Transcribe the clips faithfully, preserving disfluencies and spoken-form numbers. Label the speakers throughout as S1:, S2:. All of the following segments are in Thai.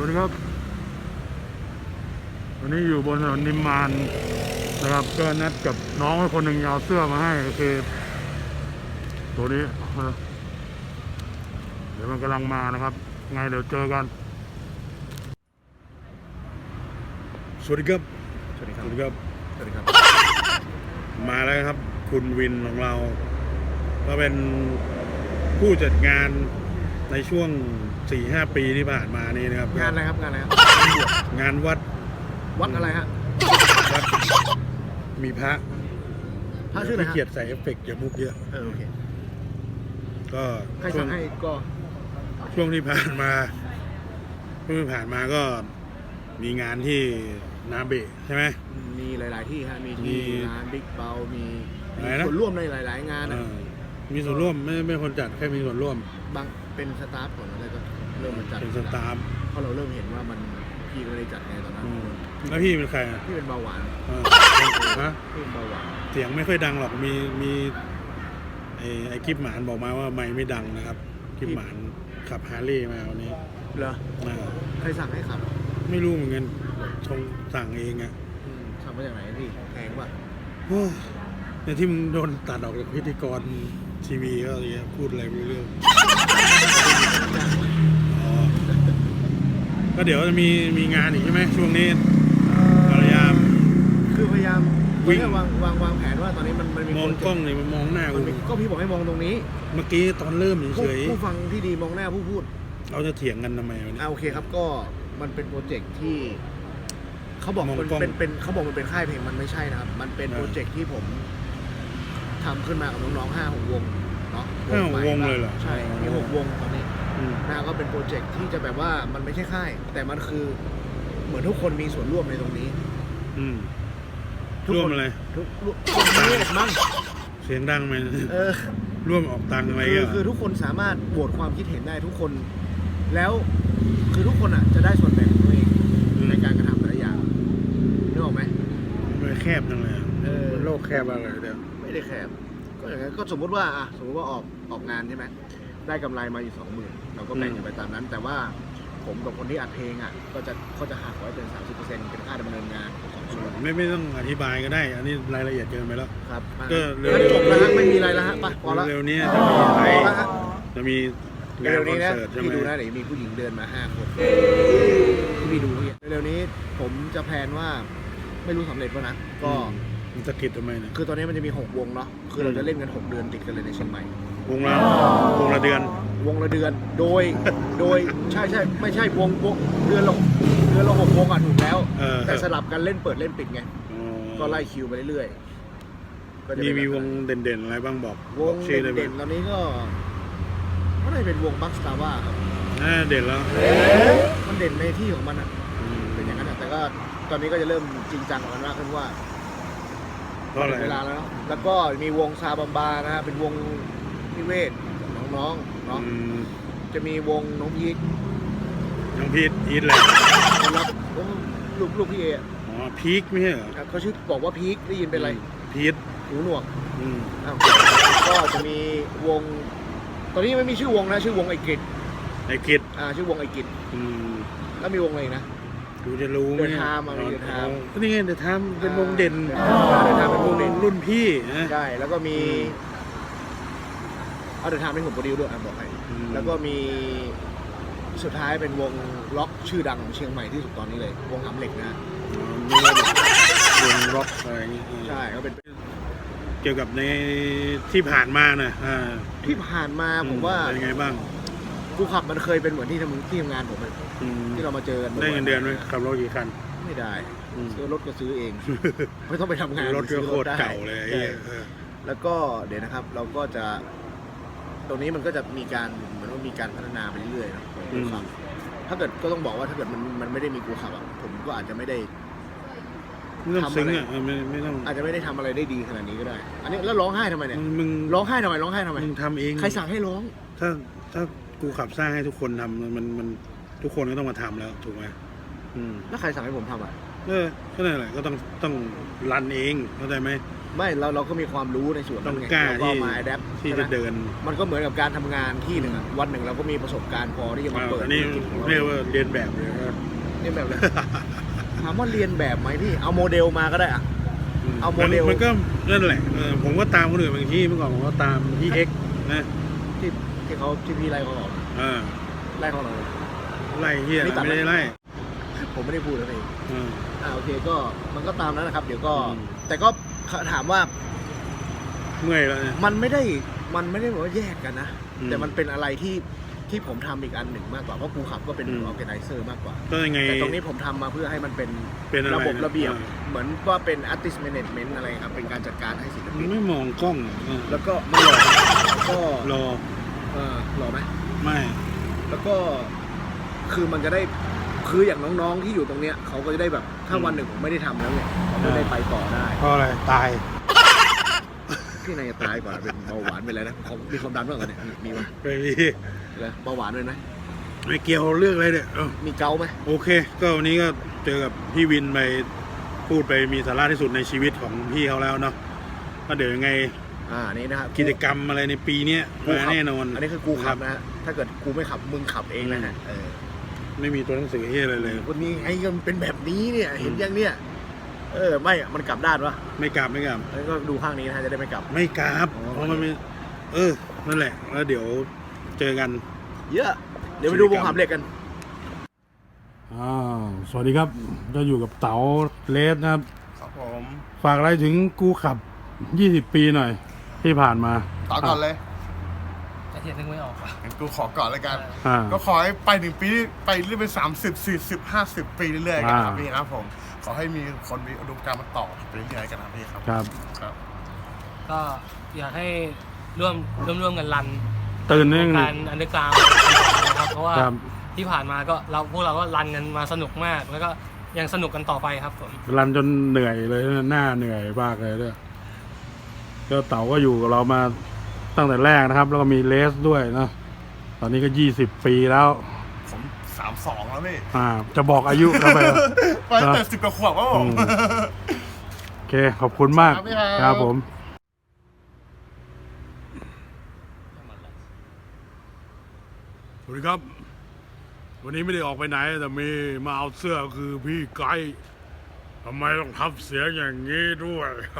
S1: วัสดีครับวันนี้อยู่บนถนนนิมมานนะครับก็นัดกับน้องคนหนึ่งเอาเสื้อมาให้ก็คือตัวนี้เดี๋ยวมันกำลังมานะครับไงเดี๋ยวเจอกันสวัสดีครับสวัสดีครับสวัสดีครับสวัสดีครับมาแล้วครับคุณวินของเราก็เป็นผู้จัดงานในช่วง สี่ห้า ปีที่ผ่านมานี่นะครับ
S2: งานอะไรครับงานอะไรครับ
S1: งานวัด
S2: วัดอะไรฮะ
S1: วัดมีพระ
S2: พระชื่ออะไรฮะ
S1: เกียรติใส่เอฟเฟกต์อย่ามุกเยอะ
S2: เออโอเค
S1: ก็
S2: ใครสั่งให้ก็
S1: ช่วงที่ผ่านมาช่วงที่ผ่านมาก็มีงานที่นาเบะใช่ไหม
S2: มีหลายๆที่ฮะมีที่งานบิ๊กเบลมีส่วนร่วมในหลายๆงานนะ
S1: มีส่วนร่วมไม่ไม่คนจัดแค่มีส่วนร่วม
S2: บางเป็นสตาฟก่อนอะไรก็เริ่มมาจัด
S1: เป็นสตาฟ
S2: เพราะเราเริ่มเห็นว่ามันพี่ไม่ได้จัดไงตอนนั้น
S1: แล้วพี่เป็นใครอ่ะ
S2: พี่เป็นเบาหวาน
S1: ฮะ
S2: พี่เป็นเบาหวาน
S1: เสียงไม่ค่อยดังหรอกมีมีไอ้ไอ้กิฟหมานบอกมาว่าไม่ไม่ดังนะครับกิฟหมานขับฮาร์เลย์มาวันนี้
S2: เหรอใครสั่งให้ขับ
S1: ไม่รู้เหมือนกันชงสั่งเองอ่ะ
S2: สั่งมาจากไหนพี่แพงป่ะ
S1: เนี่ยที่มึงโดนตัดออกจากพิธีกรทีวีก็อะไรพูดอะไรไม่รู้เรื่องก็เดี๋ยวจะมีมีงานอีกใช่ไหมช่วงนี้พยายาม
S2: คือพยายามวิ่งวางวางวางแผนว่าตอนนี้มันมันมี
S1: มองกล้องเลยมันมองหน้ากู
S2: ก็พี่บอกให้มองตรงนี้
S1: เมื่อกี้ตอนเริ่มเฉย
S2: ผู้ฟังที่ดีมองหน้าผู้พูด
S1: เราจะเถียงกันทำไมวะเนี่ย
S2: โอเคครับก็มันเป็นโปรเจกต์ที่เขาบอกมันเป็นเป็นเขาบอกมันเป็นค่ายเพลงมันไม่ใช่นะครับมันเป็นโปรเจกต์ที่ผมทำขึ้นมากับน้องๆห้าหกวงเนาะ
S1: ห้าหกวงเลยเหรอ
S2: ใช่มีหกวงตอนนี้นะก็เป็นโปรเจกต์ที่จะแบบว่ามันไม่ใช่ค่ายแต่มันคือเหมือนทุกคนมีส่วนร่วมในตรงนี้
S1: อืมร่วมอะไร
S2: ทุกร่วมนี้มั้ง
S1: เสียงดังไหมเออร่วมออกตังค์อะไรก็
S2: คือทุกคนสามารถโหวตความคิดเห็นได้ทุกคนแล้วคือทุกคนอ่ะจะได้ส่วนแบ่งของตัวเองในการกระทำแต่ละอย่างนึกออกไหม
S1: มันแคบจังเลยเออโลกแคบอะไรเดี๋ยว
S2: ไม่ได้แคบก็อย่างนั้นก็สมมติว่าอ่ะสมมติว่าออกออกงานใช่ไหมได้กำไรมาอยู่สองหมื่นเราก็แบ่งกันไปตามนั้นแต่ว่าผมกับคนที่อัดเพลงอ่ะก็จะเขาจะหักไว้เป็นสามสิบเปอร์เซ็นต์เป็นค่าดำเนินงานสองส่วน
S1: ไม่ไม่ต้องอธิบายก็ได้อันนี้รายละเอียดเกินไปแล้ว
S2: ครับ
S1: ก็
S2: เร็วจบแล้วฮะไม่มีอะไรแล้วฮะไปพอแล้ว
S1: เร็วนี้จะมีอะไรจะมี
S2: เร็วนี้นะพี่ดูนะเดี๋ยวมีผู้หญิงเดินมาห้าคนพี่ดูเร็วนี้ผมจะแพลนว่าไม่รู้สำเร็จป่ะนะก็
S1: มันจะกิดทำไมเนี่ย
S2: คือตอนนี้มันจะมีหกวงเนาะคือเราจะเล่นกันหกเดือนติดกันเลยในเชียงใหม่
S1: วงละวงละเดือน
S2: วงละเดือนโดยโดยใช่ใช่ไม่ใช่วงวงเดือนละเดือนละหกวงอ่ะถูกแล้วแต่สลับกันเล่นเปิดเล่นปิดไงก็ไล่คิวไปเรื่อย
S1: ๆมีมีวงเด่นๆอะไรบ้างบอก
S2: วงเด่นๆตอนนี้ก็ก็ได้เป็นวงบัคสตาร์ว่าครับ
S1: เด่นแล้ว
S2: มันเด่นในที่ของมันอ่ะเป็นอย่างนั้นแต่ก็ตอนนี้ก็จะเริ่มจริงจังกับมันมากขึ้นว่าเวลาแล้วเนาะแล้วก็มีวงซาบัมบานะฮะเป็นวงพิเวทน้องๆเนาะจะมีวงน้องพีท
S1: น้องพีทพีทแหละ
S2: ลูกลูกพี่เอ
S1: อ๋อพีคไม่ใช่เหรอ
S2: เขาชื่อบอกว่าพีคได้ยินเป็นอะไร
S1: พีท
S2: หูหนวกก็จะมีวงตอนนี้ไม่มีชื่อวงนะชื่อวงไอกิจ
S1: ไอกิจ
S2: อ่าชื่อวงไอกิจแล้วมีวงอะไรนะ
S1: ดูจะรู้ไหม
S2: เดินทางมาเดินทาง
S1: ก็นี่ไงเดินทางเป็นวงเด่น
S2: เดินทางเป็นวงเด่น
S1: รุ่นพี่
S2: ใช่แล้วก็มีเอาเดินทางเป็นผมโปรดิวด้วยอ่ะบอกให้แล้วก็มีสุดท้ายเป็นวงล็อกชื่อดังของเชียงใหม่ที่สุดตอนนี้เลยวงหำเหล็กนะ
S1: วงล็อกอะไรอย่างงี้
S2: ใช่ก็เป็น
S1: เกี่ยวกับในที่ผ่านมานะ
S2: ที่ผ่านมาผมว่า
S1: เป็นไงบ้าง
S2: กูขับมันเคยเป็นเหมือนที่ทำที่ทำงานผมเลยที่เรามาเจอกัน
S1: ได้เงินเดือนไหมขับรถกี่คัน
S2: ไม่ได้ซื้อรถก็ซื้อเองไม่ต้องไปทำงาน
S1: รถก็โคตรเก่าเลย
S2: แล้วก็เดี๋ยวนะครับเราก็จะตรงนี้มันก็จะมีการเหมือนว่ามีการพัฒนาไปเรื่อยๆนะกูขับถ้าเกิดก็ต้องบอกว่าถ้าเกิดมันมันไม่ได้มีกูขับอ่ะผมก็อาจจะไม่ได้
S1: ทำอะไรไม่ไม่ต้อง
S2: อาจจะไม่ได้ทำอะไรได้ดีขนาดนี้ก็ได้อันนี้แล้วร้องไห้ทำไมเนี่ยมึงร้องไห้ทำไมร้องไห้ทำไม
S1: มึงทำเอง
S2: ใครสั่งให้ร้อง
S1: ถ้าถ้ากูขับสร้างให้ทุกคนทำมันมันทุกคนก็ต้องมาทำแล้วถูกไหม
S2: แล้วใครสั่งให้ผมทำอ่ะ
S1: เออก็นั่นแหละก็ต้องต้องรันเองเข้าใจไหม
S2: ไม่เราเราก็มีความรู้ในส่วน
S1: ต้องกล้า
S2: ที่มาแอดแอป
S1: ที่จะเดิน
S2: มันก็เหมือนกับการทำงานที่หนึ่งอะวันหนึ่งเราก็มีประสบการณ์พอที่จะมาเปิด
S1: อันนี้
S2: ธุรกิจของเรา
S1: เรียกว่าเรียนแบบเลย
S2: เรียนแบบเลย ถามว่าเรียนแบบไหมพี่เอาโมเดลมาก็ได้อะ เอาโมเดล
S1: มันก็นั่นแหละเออผมก็ตามคนอื่นบางที่เมื่อก่อนผมก็ตามที่เอ็กนะ
S2: ที่ที่เขาที่พี่ไล่เขาออก
S1: เออ
S2: ไล่เขาออก
S1: ไล่เฮีย
S2: นี่ตัด
S1: ไม่ได้ไล่
S2: ผมไม่ได้พูดนะพี่
S1: เออ
S2: อ่าโอเคก็มันก็ตามนั้นนะครับ เดี๋ยวก็
S1: อืม
S2: แต่ก็ถามว่า
S1: เมื่อยแล้วเนี่ย
S2: มันไม่ได้มันไม่ได้แบบว่าแยกกันนะ
S1: อืม
S2: แต่มันเป็นอะไรที่ที่ผมทำอีกอันหนึ่งมากกว่าเพราะครูขับก็เป็น
S1: อื
S2: อ
S1: ม
S2: อร์แกไนเซอร์มากกว่า
S1: ก็ยังไง
S2: แต่ตรงนี้ผมทำมาเพื่อให้มันเป็น
S1: เป็นอะไร
S2: ระบบ
S1: นะ
S2: ระเบียบ
S1: อ่า
S2: เหมือนว่าเป็น artist management อะไรครับ เป็นการจัดการให้ศิล
S1: มึ
S2: ปิ
S1: ง
S2: น
S1: ไม่มองกล้องเออ
S2: แล้วก็ไม่หล่อแล้วก็
S1: รอ
S2: เออหล่อไหม
S1: ไม่
S2: แล้วก็คือมันจะได้คืออย่างน้องๆที่อยู่ตรงเนี้ยเขาก็จะได้แบบถ้าวันหนึ่งผมไม่ได้ทำแล้วเนี่ยเขาจะได้ไปต่อได้
S1: เพราะอะไรตาย
S2: พี่นายจะตายกว่าเป็นเบาหวานเป็นอะไรนะเขามีความดันบ้างเหรอเนี่ยมีมีไหม
S1: ไม่มี
S2: เลยเบาหวานด้วยไหม
S1: ไม่เกี่ยวเรื่องอะไรเนี่ยเออ
S2: มีเกาไหม
S1: โอเค ก็วันนี้ก็เจอกับพี่วินไปพูดไปมีสาระที่สุดในชีวิตของพี่เขาแล้วเนาะก็เดี๋ยวยังไง
S2: อ่านี่นะครับ
S1: กิจกรรมอะไรในปีเนี้ย
S2: กู
S1: มา
S2: ขับ
S1: แน่นอน
S2: อันนี้คือกูขับนะฮะถ้าเกิดกูไม่ขับมึงขับเองนะฮะเออ
S1: ไม่มีตัวหนังสือที่อะไรเลย
S2: วันนี้ไอ้มันเป็นแบบนี้เนี่ยเห็นยังเนี่ยเออไม่อะมันกลับด้านวะ
S1: ไม่กลับไม่กลับ
S2: แล้วก็ดูข้างนี้นะฮะจะได้ไม่กลับ
S1: ไม่กลับ
S2: อ๋อ
S1: เพราะมันไม่เออนั่นแหละแล้วเดี๋ยวเจอกัน
S2: เยอะเดี๋ยวไปดูวงขับเหล็กกัน
S1: อ่าสวัสดีครับก็อยู่กับเต๋าเลสนะครับ
S3: ครับผม
S1: ฝากอะไรถึงกูขับยี่สิบปีหน่อย ที่ผ่านมา
S3: ต่อก่อนเลย
S4: ไอเทียนนึกไม่ออกว่ะ
S3: งั้นกูขอก่อนแล้วกัน
S1: อ่า
S3: ก็ขอให้ไปหนึ่งปีไปเรื่อยเป็นสามสิบสี่สิบห้าสิบปีเรื่อยๆกันครับ
S1: อ่า
S3: พี่ครับผม ขอให้มีคนมีอุดมการณ์มาต่อไปเรื่อยๆกันนะพี่ครับ
S1: ครับ
S3: ครับ
S4: ก็อยากให้ร่วมร่วมร่วมกันรัน
S1: ตื่นนึง
S4: การอันเดอร์กราวนะครับเพราะว่า
S1: ครับ
S4: ที่ผ่านมาก็เราพวกเราก็รันกันมาสนุกมาก แล้วก็ยังสนุกกันต่อไปครับผม
S1: รันจนเหนื่อยเลยหน้าเหนื่อยมากเลยด้วยก็เต๋าก็อยู่กับเรามาตั้งแต่แรกนะครับ แล้วก็มีเลสด้วยนะตอนนี้ก็ยี่สิบปีแล้ว
S3: ผมสามสองแล้วพี่
S1: อ่า จะบอกอายุเข้าไป
S3: ไปตั้งแต่สิบกว่าขวบครับผม
S1: อืม โอเค ขอบคุณมาก
S3: ครับพี่ครับ
S1: ครับผม สวัสดีครับ วันนี้ไม่ได้ออกไปไหน แต่มีมาเอาเสื้อคือพี่ไกด์ทำไมต้องทับเสียงอย่างนี้ด้วย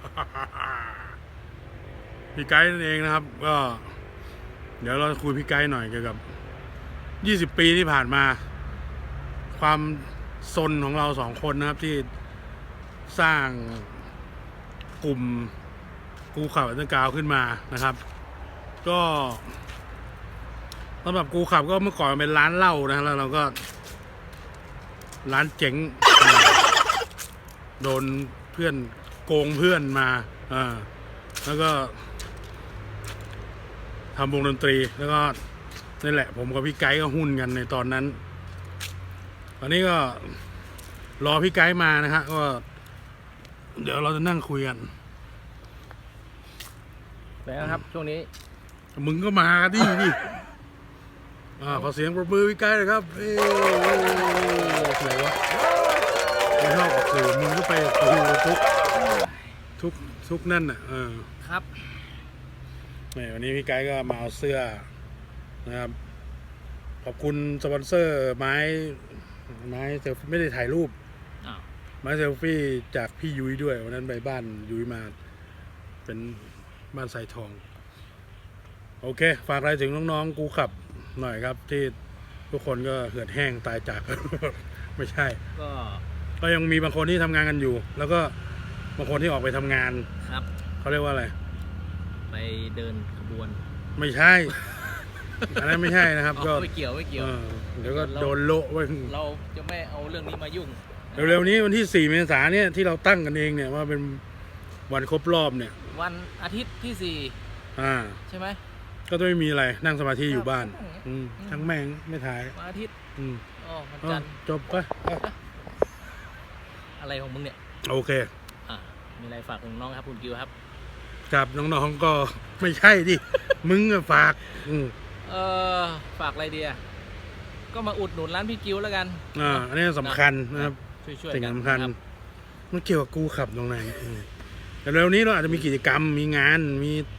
S1: พี่ไกด์นั่นเองนะครับ ก็ เดี๋ยวเราจะคุยพี่ไกด์หน่อยเกี่ยวกับยี่สิบปีที่ผ่านมา ความซนของเราสองคนนะครับที่สร้างกลุ่มกูขับอันเดอร์กราวด์ขึ้นมานะครับ ก็สำหรับกูขับก็เมื่อก่อนเป็นร้านเหล้านะแล้วเราก็ ร้านเจ๋ง โดนเพื่อนโกงเพื่อนมาอ่าแล้วก็ทำวงดนตรีแล้วก็นี่แหละ ผมกับพี่ไกด์ก็หุ้นกันในตอนนั้น ตอนนี้ก็รอพี่ไกด์มานะฮะก็เดี๋ยวเราจะนั่งคุยกัน
S4: แล้วครับช่วงนี้
S1: มึงก็มาดิดิอ่าขอเสียงปรบมือพี่ไกด์เลยครับเอ้ยไหนวะไม่ชอบออกสื่อมึงก็ไปดูทุกทุกทุกนั่นน่ะเออ
S4: ครับ
S1: นี่วันนี้พี่ไกด์ก็มาเอาเสื้อนะครับ ขอบคุณสปอนเซอร์ไม้ไม้เซลฟี่ไม่ได้ถ่ายรูป
S4: อ้าว
S1: ไม้เซลฟี่จากพี่ยุ้ยด้วยวันนั้นไปบ้านยุ้ยมาเป็นบ้านสายทอง โอเค ฝากอะไรถึงน้องๆกูขับหน่อยครับ ที่ทุกคนก็เหือดแห้งตายจาก ไม่ใช่
S4: ก็
S1: ก็ยังมีบางคนที่ทำงานกันอยู่ แล้วก็บางคนที่ออกไปทำงาน
S5: ครับ
S1: เขาเรียกว่าอะไร
S5: ไปเดินขบวน
S1: ไม่ใช่ อันนั้นไม่ใช่นะครับ
S5: อ๋อ
S1: ก็
S5: ไม่เกี่ยวไม่เกี่ยว
S1: เออเดี๋ยวก็โดนโละไว้
S5: เราจะไม่เอาเรื่องนี้มายุ่ง
S1: เร็วๆนี้วันที่สี่เมษายนเนี่ยที่เราตั้งกันเองเนี่ยว่าเป็นวันครบรอบเนี่ย
S5: วันอาทิตย์ที่สี่
S1: อ่า
S5: ใช่ไหม
S1: ก็จะไม่มีอะไรนั่งสมาธิอยู่บ้าน อืมทั้งแม่งไม่ถ่าย
S5: วันอาทิตย์
S1: อืม
S5: อ๋อวัน
S1: เอา
S5: จันทร์
S1: จบไปไป
S5: อะไรของมึงเนี่ย
S1: โอเค
S5: อ่ะมีอะไรฝากถึงน้องครับคุณกิวครับ
S1: กับน้องๆก็ไม่ใช่ดิ มึงอะฝาก อืม
S5: เออฝากอะไรดีอ่ะก็มาอุดหนุนร้านพี่กิวแล้วกัน
S1: อ่าอันนี้สำคัญนะครับ
S5: ช่วยๆ
S1: สิ่ง
S5: กัน
S1: สำคัญ
S5: รับ
S1: มันเกี่ยวกับกูขับตรงไหนอืมแต่เร็วนี้เราอาจจะมีกิจกรรมมีงานมี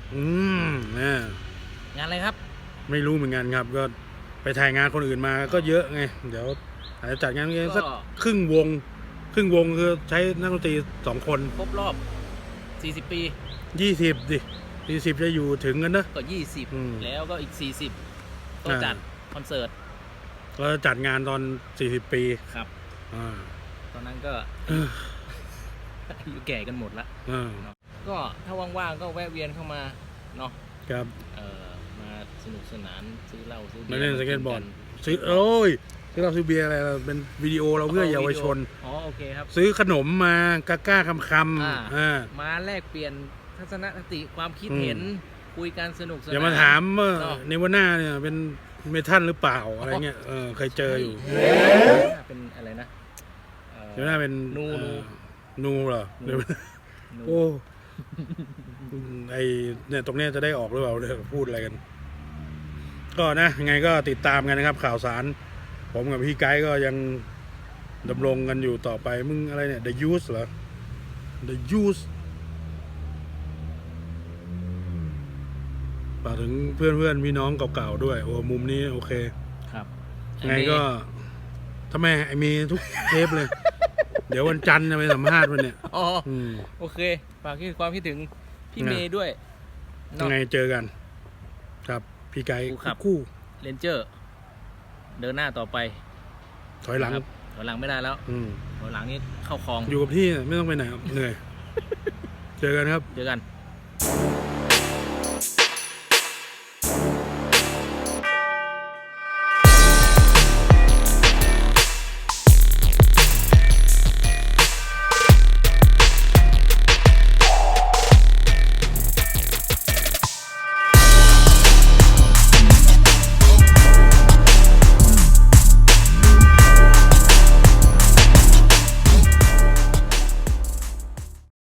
S1: อืมเนี่ย
S5: งานอะไรครับ
S1: ไม่รู้เหมือนกันครับ ก็ไปถ่ายงานคนอื่นมาก็เยอะไง เดี๋ยวอาจจะจัดงานเองสัก
S5: ก็
S1: ครึ่งวง ครึ่งวงคือใช้นักดนตรีสองคน
S5: ครบรอบสี่สิบปี
S1: ยี่สิบดิสี่สิบจะอยู่ถึงกันนะ
S5: ก็ยี่สิบ
S1: อืม
S5: แล้วก็อีกสี่สิบก็
S1: อ่า
S5: จัดคอนเสิร์ต
S1: เราจะจัดงานตอนสี่สิบปี
S5: ครับ
S1: อ่า
S5: ตอนนั้นก็
S1: เออ
S5: อายุแก่กันหมดละ
S1: อ่า
S5: ก็ถ้าว่างๆก็แวะเวียนเข้ามาเนาะ
S1: ครับ
S5: เออมาสนุกสนานซื้อเหล้าซื้อ
S1: มาเล่นสเก็ตบอร์ด
S5: น
S1: ซื้อโอ้ยซื้อเราซื้อเบียร์อะไรเราเป็นวิดีโอเราเพื่อเยาวชน
S5: อ๋อโอเคครับ
S1: ซื้อขนมมากล้ากล้าคำค
S5: อ่า
S1: ำอ่า
S5: มาแลกเปลี่ยนทัศนคติความคิดเห็น คุยกันสนุกสนาน
S1: อย่ามาถามว่า
S5: เนาะ
S1: เนวาน่าเนี่ยเป็นเมทัลหรือเปล่าอะไรเงี้ยเออเคยเจออยู่
S5: เป็นอะไรนะเอ่อ
S1: เนวาน่าเป็น
S5: นู
S1: เอ่
S5: นู
S1: อนูเหรอ
S5: นู นู
S1: โอ้ไอเนี่ยตรงเนี้ยจะได้ออกหรือเปล่าเนี่ยพูดอะไรกัน ก็นะยังไงก็ติดตามกันนะครับ ข่าวสาร ผมกับพี่ไกด์ก็ยังดำรงกันอยู่ต่อไปมึงอะไรเนี่ย The Use เหรอ The Use ฝากถึงเพื่อนเพื่อนๆพี่น้องเก่าๆด้วย โอ้มุมนี้โอเค
S5: ครับ
S1: ไงก็ทำไมไอมีทุกเทปเลย เดี๋ยววันจันทร์จะไปสัมภาษณ์มันเนี่ย
S5: อ๋อ
S1: อืม
S5: โอเคฝากความคิดถึงพี่
S1: นะ
S5: เมย์ด้วย
S1: ยั
S5: เนาะ
S1: งไงเจอกัน ครับ พี่ไกด์
S5: คู่ครับ
S1: คู่
S5: เรนเจอร์ เดินหน้าต่อไป
S1: ถอยหลัง
S5: นะครับถอยหลังไม่ได้แล้ว
S1: อืม
S5: ถอยหลังนี่เข้าคลอง
S1: อยู่กับที่ไม่ต้องไปไหนครับเหนื่อย เจอกันครับ
S5: เจอกัน